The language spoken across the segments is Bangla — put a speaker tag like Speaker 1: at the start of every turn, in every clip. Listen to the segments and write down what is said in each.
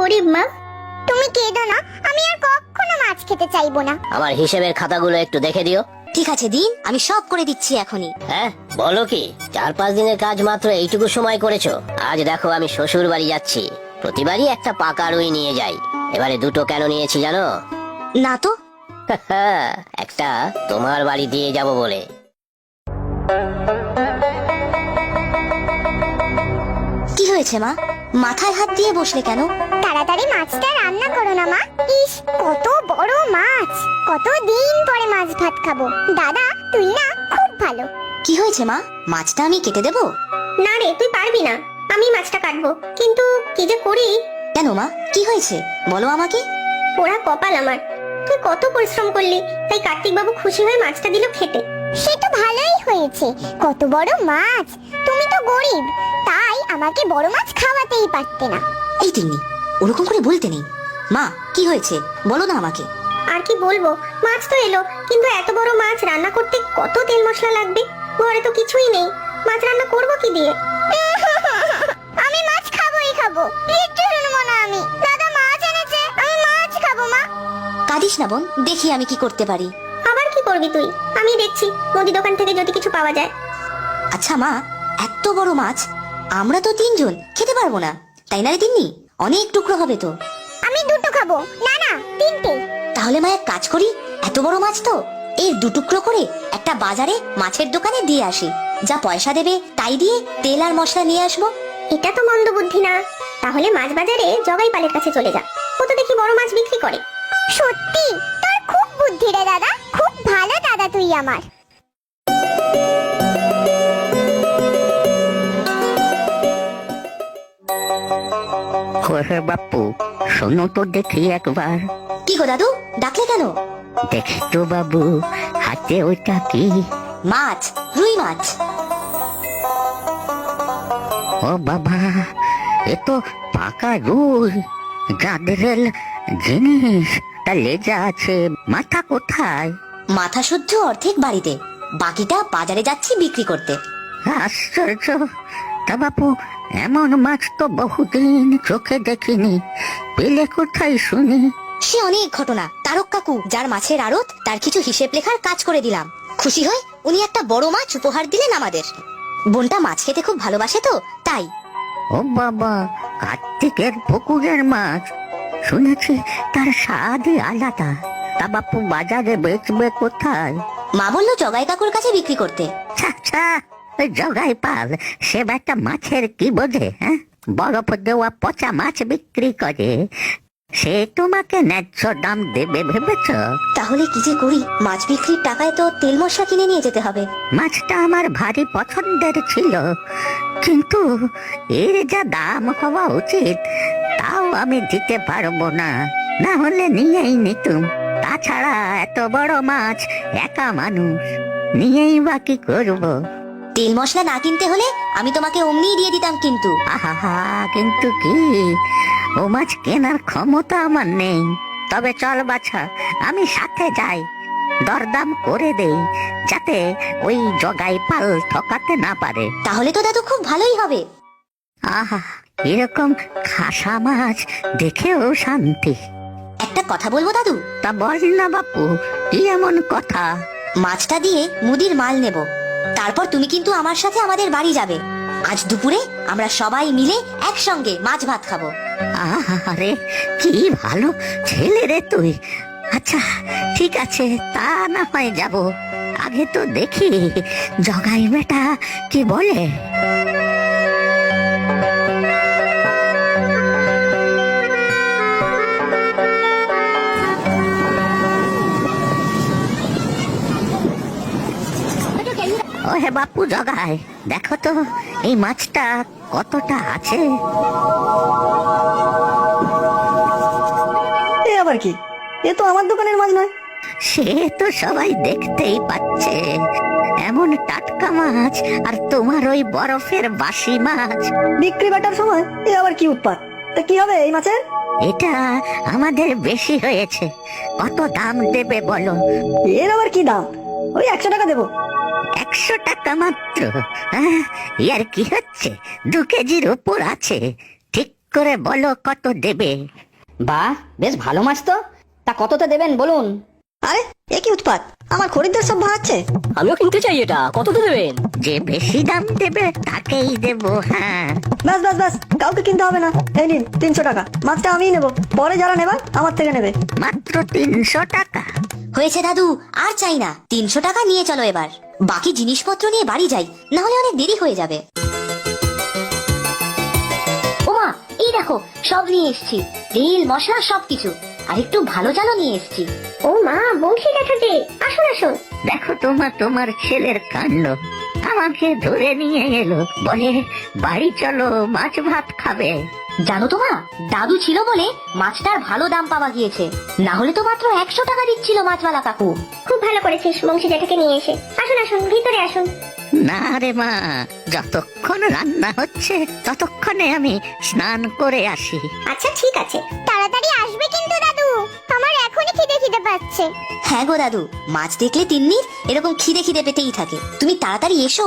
Speaker 1: গরিব মা। তুমি কেঁদো না, আমি আর কখনো মাছ খেতে চাইবো না।
Speaker 2: আমার হিসেবের খাতাগুলো একটু দেখে দিও।
Speaker 3: ঠিক আছে দিন, আমি সব করে দিচ্ছি এখনই।
Speaker 2: হ্যাঁ বলো কি, 4-5 দিনের কাজ মাত্র এইটুকু সময় করেছো। আজ দেখো আমি শ্বশুর বাড়ি যাচ্ছি, প্রতিবারই একটা পাকা রুই নিয়ে যাই, এবারে 2টো কেন নিয়েছি জানো?
Speaker 3: না তো।
Speaker 2: একটা তোমার বাড়ি দিয়ে যাব বলে।
Speaker 3: কি হয়েছে মা, মাথায় হাত দিয়ে বসলে কেন?
Speaker 1: তাড়াতাড়ি মাছটা রান্না করো না মা। ইস, কত বড় মাছ, কতদিন পরে মাছ ভাত খাবো। দাদা তুই না খুব ভালো।
Speaker 3: কি হয়েছে মা, মাছটা আমি কেটে দেবো?
Speaker 1: না রে, তুই পারবি না, আমি মাছটা কাটবো। কিন্তু কি যে করি।
Speaker 3: কেন মা, কি হয়েছে বলো আমাকে।
Speaker 1: পোড়া কপাল আমার, তুই কত পরিশ্রম করলি, তাই কার্তিক বাবু খুশি হয়ে মাছটা দিল খেতে। সে তো ভালোই হয়েছে, কত বড় মাছ। তুমি তো গরিব, তাই আমাকে বড় মাছ খাওয়াতেই পারতে না।
Speaker 3: এই তিন্নি, ওরকম করে বলতে নেই। মা কি হয়েছে বলো না আমাকে।
Speaker 1: আর কি বলবো, মাছ তো এলো, কিন্তু এত বড় মাছ রান্না করতে কত তেল মশলা লাগবে। ঘরে তো কিছুই নেই, মাছ রান্না করবো কি দিয়ে? আমি মাছ খাবোই খাবো, কিচ্ছু শুনবো না আমি। দাদা মাছ এনেছে, আমি মাছ খাবো মা।
Speaker 3: কাঁদিস না বোন, দেখি আমি কি করতে পারি।
Speaker 1: আবার কি করবি তুই? আমি দেখছি মুদি দোকান থেকে যদি কিছু পাওয়া যায়।
Speaker 3: আচ্ছা মা, এত বড় মাছ আমরা তো 3 জন খেতে পারবো না, তাই না রে তিন্নি? অনেক টুকরো হবে তো।
Speaker 1: আমি 2টো খাবো। না না, 3টে।
Speaker 3: তাহলে মা এক কাজ করি, এত বড় মাছ তো এর 2 টুকরো করে একটা বাজারে মাছের দোকানে দিয়ে আসি, যা পয়সা দেবে তাই দিয়ে তেল আর মশলা নিয়ে আসবো।
Speaker 1: এটা তো মন্দ বুদ্ধি না। তাহলে মাছ বাজারে জগাই পালের কাছে চলে যা, ও তো দেখি বড় মাছ বিক্রি করে। সত্যি তোর খুব বুদ্ধি রে দাদা, খুব ভালো দাদা তুই আমার।
Speaker 4: ওহে বাপু, শোনো তো দেখি একবার।
Speaker 3: কি গো দাদু, ডাকলে কেন?
Speaker 4: দেখি তো বাবু, হাতে ওইটা কি?
Speaker 3: মাছ, রুই মাছ।
Speaker 4: ও বাবা, এ তো পাকা রুই, গাদরেল জিনিস। তা লেজা আছে, মাথা কোথায়?
Speaker 3: মাথা শুদ্ধ অর্ধেক বাড়িতে, বাকিটা বাজারে যাচ্ছি বিক্রি করতে।
Speaker 4: আশ্চর্য। তা বাপু, এমন মাছ তো বহুদিন চোখে দেখিনি, পেলে কোথায় শুনি?
Speaker 3: সে অনেক ঘটনা। তারক কাকু, যার মাছের আড়ত, তার কিছু হিসেব লেখার কাজ করে দিলাম। খুশি হয় উনি একটা বড় মাছ উপহার দিলেন আমাদের। বোনটা মাছ খেতে খুব ভালোবাসে তো তাই।
Speaker 4: ও বাবা, কার্তিকের পুকুরের মাছ, শুনেছি তার স্বাদই আলাদা। তা বাপু বাজারে বেচবে কোথায়?
Speaker 3: মা বললো জগাই কাকুর কাছে বিক্রি করতে।
Speaker 4: আচ্ছা, ওই জগাই পাল সে একটা মাছের কি বোঝে? হ্যাঁ, বরফ দেওয়া পচা মাছ বিক্রি করে, সে তোমাকে ন্যায্য দাম দেবে ভেবেছ?
Speaker 3: তাহলে কি যে করি, মাছ বিক্রির টাকায় তো তেল মশলা কিনে নিয়ে যেতে হবে।
Speaker 4: মাছটা আমার ভারী পছন্দের ছিল, কিন্তু এর যা দাম হওয়া উচিত তাও আমি দিতে পারবো না, না হলে নিয়েই নিতুম। তাছাড়া এত বড় মাছ একা মানুষ নিয়েই বা কি করবো?
Speaker 3: তেল মশলা না কিনতে হলে আমি তোমাকে অমনিই দিয়ে দিতাম, কিন্তু
Speaker 4: আহা, কিন্তু কি, ও মাছ কেনার ক্ষমতা আমার নেই। তবে চল বাছা, আমি সাথে যাই, দরদাম করে দেই, যাতে ওই জগাই পাল ঠকাতে না পারে।
Speaker 3: তাহলে তো দাদু খুব ভালোই হবে।
Speaker 4: আহা, এরকম খাসা মাছ দেখেও শান্তি।
Speaker 3: একটা কথা বলবো দাদু?
Speaker 4: তা বল না বাপু, কি এমন কথা?
Speaker 3: মাছটা দিয়ে মুদির মাল নেব, তারপর তুমি কিন্তু আমার সাথে আমাদের বাড়ি যাবে। আজ দুপুরে আমরা সবাই মিলে একসঙ্গে মাছ ভাত খাবো।
Speaker 4: আরে কি ভালো ছেলে রে তুই। আচ্ছা ঠিক আছে, তা না হয় যাব, আগে তো দেখি জগাই বেটা কি বলে। ও হে বাপু জগাই, দেখো তো এই মাছটা কতটা আছে।
Speaker 5: এ আবার কি? এ তো আমার দোকানের মাছ নয়।
Speaker 4: সে তো সবাই দেখতেই পাচ্ছে, এমন টাটকা মাছ, আর তোমার ওই বরফের বাসি মাছ।
Speaker 5: বিক্রি বাটার সময় এ আবার কি উৎপাত? তা কি হবে এই মাছের?
Speaker 4: এটা আমাদের বেশি হয়েছে, কত দাম দেবে বলো?
Speaker 5: এর আবার কি দাম? ওই 100 টাকা দেবো।
Speaker 4: 100 টাকা মাত্র? ইয়ার কি হচ্ছে, 2 কেজির উপর আছে, ঠিক করে বলো কত দেবে।
Speaker 5: বাহ, বেশ ভালো মাছ তো। তা কততে দেবেন বলুন? আরে এ কি উৎপাত, আমার খরিদ্দার সব ভাড়াচ্ছে।
Speaker 2: আমিও কিনতে চাই এটা, কত দেবেন?
Speaker 4: যে বেশি দাম দেবে তাকেই দেবো। হ্যাঁ,
Speaker 5: ব্যাস ব্যাস ব্যাস, কাউকে কিনতে হবে না। এই নিন 300 টাকা, মাছটা আমিই নেবো, পরে যারা নেবার আমার থেকে নেবে।
Speaker 4: মাত্র 300 টাকা?
Speaker 3: হয়েছে দাদু, আর চাই না। 300 টাকা নিয়ে চলো এবার, বাকি জিনিসপত্র নিয়ে বাড়ি যাই, না হলে অনেক দেরি হয়ে যাবে। ওমা, এই দেখো সব নিয়ে এসেছি, তেল মশলা সবকিছু, আর একটু ভালো চালও নিয়ে এসেছি।
Speaker 1: ও মা, বংশী জ্যাঠা যে, আসুন আসুন।
Speaker 4: দেখো তোমার ছেলের কাণ্ড, আমাকে ধরে নিয়ে এলো, বলে বাড়ি চলো মাছ ভাত খাবে।
Speaker 3: জানো তো মা, দাদু ছিল বলে মাছটার ভালো দাম পাওয়া গিয়েছে, না হলে তো মাত্র 100 টাকা দিচ্ছিল মাছওয়ালা কাকু।
Speaker 1: খুব ভালো করেছিস বংশী জ্যাঠাকে নিয়ে এসে। আসুন আসুন, ভিতরে আসুন।
Speaker 4: না রে মা, যতক্ষণ রান্না হচ্ছে ততক্ষণে আমি স্নান করে আসি।
Speaker 1: আচ্ছা ঠিক আছে, তাড়াতাড়ি আসবে কিন্তু দাদু, আমার এখনই খিদে খিদে পাচ্ছে।
Speaker 3: হ্যাঁ গো দাদু, মাছ দেখলে তিন্নির এরকম খিদে খিদে পেতেই থাকে, তুমি তাড়াতাড়ি এসো।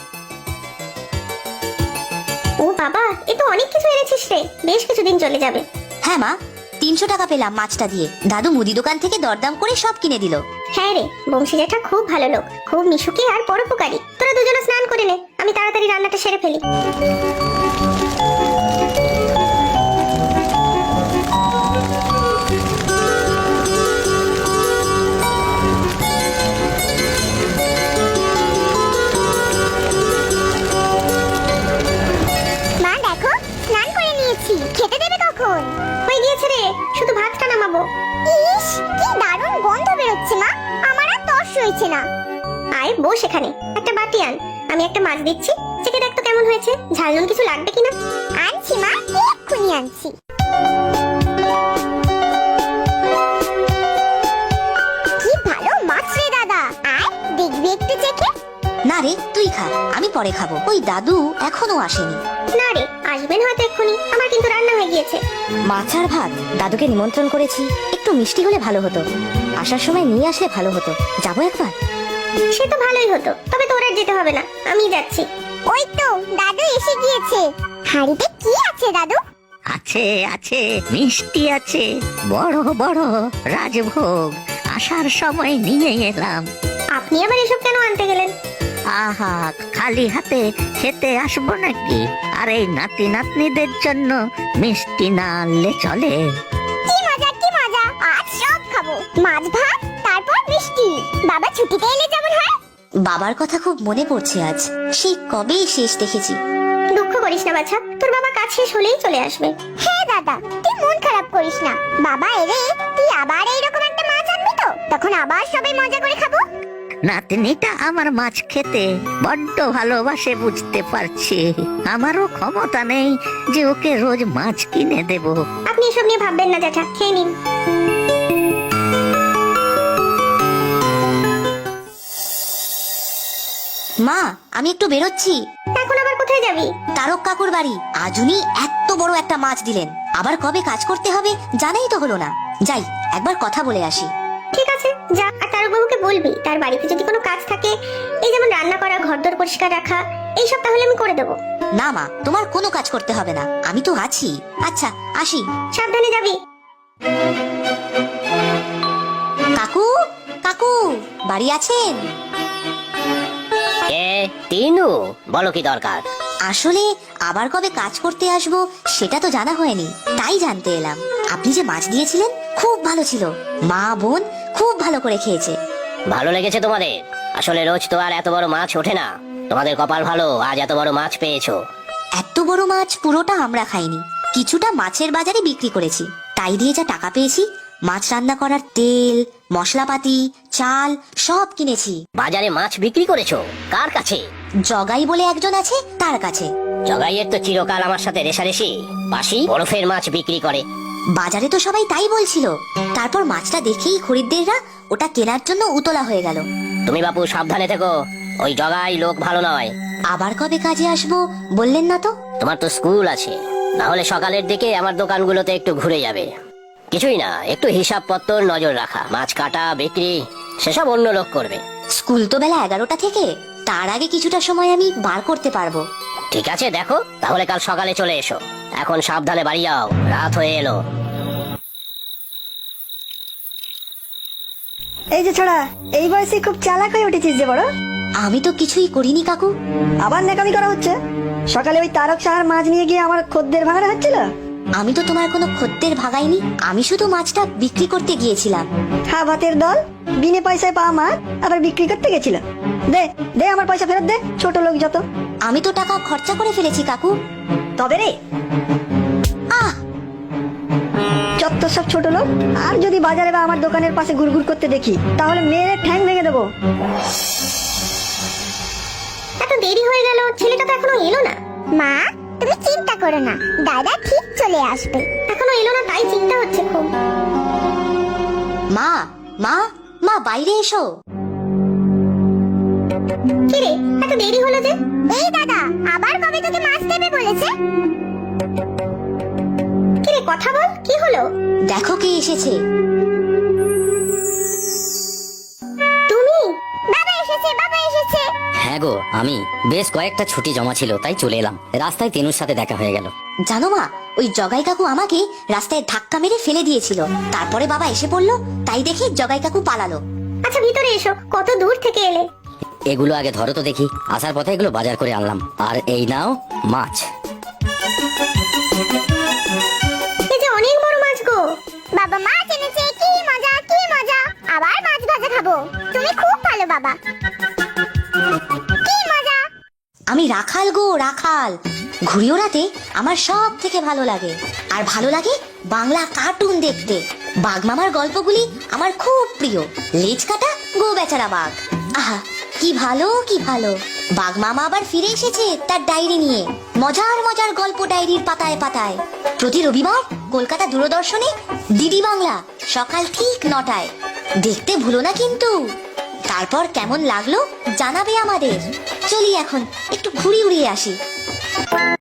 Speaker 1: ও বাবা, এ তো অনেক কিছু এনেছিস রে, বেশ কিছুদিন চলে যাবে।
Speaker 3: হ্যাঁ মা, 300 টাকা পেলাম মাছটা দিয়ে, দাদু মুদি দোকান থেকে দরদাম করে সব কিনে দিল।
Speaker 1: হ্যাঁ রে, বংশী জ্যাঠা খুব ভালো লোক, খুব মিশুকি আর পরোপকারী। তোরা দুজনে স্নান করে নে, আমি তাড়াতাড়ি রান্নাটা সেরে ফেলি। মা দেখো, স্নান করে নিয়েছি, খেতে দেবে কখন? হয়ে গিয়েছে রে, শুধু ভাতটা নামাবো। ইস, কি দারুণ গন্ধ বেরোচ্ছে মা, আমার আর তর সইছে না। আয় বস এখানে, একটা বাটি আন, আমি একটা মাছ দিচ্ছি, চেখে দেখ তো কেমন হয়েছে, ঝাল নুন কিছু লাগবে কিনা। আনছি মা, এক্ষুনি আনছি। কি ভালো মাছ রে দাদা, আয় দেখবি একটু চেখে।
Speaker 3: না রে, তুই খা, আমি পরে খাবো, ওই দাদু এখনো আসেনি।
Speaker 1: না রে, আসবেন হয়তো এক্ষুনি, আমার কিন্তু রান্না হয়ে গিয়েছে।
Speaker 3: মাছ আর ভাত, দাদুকে নিমন্ত্রণ করেছি, একটু মিষ্টি হলে ভালো হতো, আসার সময় নিয়ে আসলে ভালো হতো, যাবো একবার।
Speaker 1: সে তো ভালোই হতো, তবে তোর আর যেতে হবে না, আমি যাচ্ছি। ওই তো দাদু এসে গিয়েছে। হাড়িতে কি আছে দাদু?
Speaker 4: আছে আছে, মিষ্টি আছে, বড় বড় রাজভোগ, আসার সময় নিয়ে এলাম।
Speaker 1: আপনি আবার এসব কেন আনতে গেলেন?
Speaker 4: আহা, খালি হাতে খেতে আসবো নাকি? আর এই নাতি নাতনিদের জন্য মিষ্টি না আনলে চলে?
Speaker 1: কি মজা কি মজা, আজ সব খাবো, মাছ ভাত তারপর মিষ্টি। বাবা ছুটিতে এলে যেমন হয়।
Speaker 3: বাবার কথা খুব মনে পড়ছে আজ, সেই কবেই শেষ দেখেছি।
Speaker 1: দুঃখ করিস না বাছা, তোর বাবা কাজ শেষ হলেই চলে আসবে। হ্যাঁ দাদা, তুই মন খারাপ করিস না, বাবা এলে তুই আবার এইরকম একটা মাছ আনবি তো, তখন আবার সবাই মজা করে খাবো।
Speaker 4: নাতনিটা আমার মাছ খেতে বড্ড ভালোবাসে, বুঝতে পারছি। আমারও ক্ষমতা নেই যে ওকে রোজ মাছ কিনে দেব।
Speaker 1: আপনি এসব নিয়ে ভাববেন না জ্যাঠা, খেয়ে নিন।
Speaker 3: মা, আমি একটু বেরোচ্ছি।
Speaker 1: এখন আবার কোথায় যাবি?
Speaker 3: তারক কাকুর বাড়ি, আজ উনি এত বড় একটা মাছ দিলেন, আবার কবে কাজ করতে হবে জানাই তো হলো না। যাই, একবার কথা বলে আসি।
Speaker 1: ঠিক আছে যা, আর তারকবাবুকে বলবি তার বাড়িতে যদি কোনো কাজ থাকে, এই যেমন রান্না করা, ঘরদোর পরিষ্কার রাখা, এইসব তাহলে আমি করে দেবো।
Speaker 3: না মা, তোমার কোনো কাজ করতে হবে না, আমি তো আছি। আচ্ছা, আসি।
Speaker 1: সাবধানে যাবি।
Speaker 3: কাকু, কাকু বাড়ি আছেন?
Speaker 2: এ তিনু, বলো কি দরকার?
Speaker 3: আসলে আবার কবে কাজ করতে আসবো সেটা তো জানা হয়নি, তাই জানতে এলাম। আপনি যে মাছ দিয়েছিলেন খুব ভালো ছিল, মা বোন খুব ভালো করে খেয়েছে।
Speaker 2: ভালো লেগেছে তোমাদের? আসলে রোজ তো আর এত বড় মাছ ওঠে না, তোমাদের কপাল ভালো, আজ এত বড় মাছ পেয়েছো।
Speaker 3: এত বড় মাছ পুরোটা আমরা খাইনি, কিছুটা মাছের বাজারে বিক্রি করেছি, তাই দিয়ে যা টাকা পেয়েছি মাছ রান্না করার তেল, মশলাপাতি, চাল সব কিনেছি।
Speaker 2: বাজারে মাছ বিক্রি করেছো? কার কাছে?
Speaker 3: জগাই বলে একজন আছে, তার কাছে।
Speaker 2: জগাইয়ের তো চিরকাল আমার সাথে রেশারেশি, পাশি বরফের মাছ বিক্রি করে।
Speaker 3: বাজারে তো সবাই তাই বলছিল, তারপর মাছটা দেখেই খরিদ্দেররা ওটা কেনার জন্য উতলা হয়ে গেল।
Speaker 2: তুমি বাপু সাবধানে থেকো, ওই জগাই লোক ভালো নয়।
Speaker 3: আবার কবে কাজে আসবো বললেন না তো?
Speaker 2: তোমার তো স্কুল আছে, না হলে সকালের দিকে আমার দোকানগুলোতে একটু ঘুরে যাবে। কিছুই না, একটু হিসাব পত্তর নজর রাখা, মাছ কাটা, বিক্রি, সেসব অন্য লোক করবে।
Speaker 3: স্কুল তো বেলা 11টা থেকে, তার আগে কিছুটা সময় আমি বার করতে পারবো।
Speaker 2: ঠিক আছে দেখো, তাহলে কাল সকালে চলে এসো। এখন সাবধানে বাড়ি যাও, রাত হয়ে এলো।
Speaker 5: এই যে ছোড়া, এই বয়সে খুব চালাক হয়ে উঠেছিস যে বড়।
Speaker 3: আমি তো কিছুই করিনি কাকু।
Speaker 5: আবার নেকামি করা হচ্ছে। সকালে ওই তারক সাহার মাছ নিয়ে গিয়ে আমার খদ্দের ভাঙানো হচ্ছিল।
Speaker 3: আমি তো তোমার কোনো খদ্দের ভাগাইনি, আমি শুধু মাছটা বিক্রি করতে গিয়েছিলাম।
Speaker 5: হ্যাঁ, ভাতের দল, বিনে পয়সায় পাওয়া মাছ আবার বিক্রি করতে গেছিল। দে দে আমার পয়সা ফেরত দে, ছোট লোক যত।
Speaker 3: আমি তো টাকা খরচা করে ফেলেছি কাকু।
Speaker 5: তবে রে
Speaker 3: আহ
Speaker 5: যত সব ছোট লোক। আর যদি বাজারে বা আমার দোকানের পাশে ঘুরঘুর করতে দেখি, তাহলে মেরে ঠ্যাং ভেঙে দেবো।
Speaker 1: এত দেরি হয়ে গেল, ছেলেটা তো এখনো এলো না। মা, তুমি চিন্তা করো না, দাদা ঠিক চলে আসবে। এখনো এলো না, তাই চিন্তা হচ্ছে খুব।
Speaker 3: মা মা মা, বাইরে এসো।
Speaker 1: কি রে, এত দেরি হলো যে? এই দাদা, আবার কবে তোকে মাছ দেবে বলেছে? কি রে, কথা বল, কি হলো?
Speaker 3: দেখো কে এসেছে।
Speaker 1: তুমি? বাবা এসেছে, বাবা এসেছে।
Speaker 6: হ্যাঁ গো, আমি বেশ কয়েকটা ছুটি জমা ছিল, তাই চলে এলাম। রাস্তায় তেনুর সাথে দেখা হয়ে গেল।
Speaker 3: জানো মা, ওই জগাই কাকু আমাকে রাস্তায় ধাক্কা মেরে ফেলে দিয়েছিল। তারপরে বাবা এসে পড়লো, তাই দেখে জগাই কাকু পালালো।
Speaker 1: আচ্ছা, ভিতরে এসো, কত দূর থেকে এলে?
Speaker 6: এগুলো আগে ধরো তো দেখি। আসার পথে এগুলো বাজার করে আনলাম। আর এই নাও মাছ।
Speaker 1: এই যে অনেক বড় মাছ গো। বাবা মাছ এনেছে, কি মজা, কি মজা। আবার মাছ ভাজা খাবো। তুমি খুব ভালো বাবা, কি মজা।
Speaker 3: আমি রাখাল গো, রাখাল। ঘুড়ি ওড়াতে আমার সব থেকে ভালো লাগে। আর ভালো লাগে বাংলা কার্টুন দেখতে। বাঘ মামার গল্পগুলি আমার খুব প্রিয়। লেজ কাটা গো বেচারা বাঘ, আহা কি ভালো, কি ভালো। বাঘ মামা আবার ফিরে এসেছে তার ডায়েরি নিয়ে। মজার মজার গল্প ডায়েরির পাতায় পাতায়। প্রতি রবিবার কলকাতা দূরদর্শনে ডিডি বাংলা, সকাল ঠিক 9টায়। দেখতে ভুলো না কিন্তু। তারপর কেমন লাগলো জানাবে আমাদের। চলি এখন একটু ঘুরি উড়িয়ে আসি।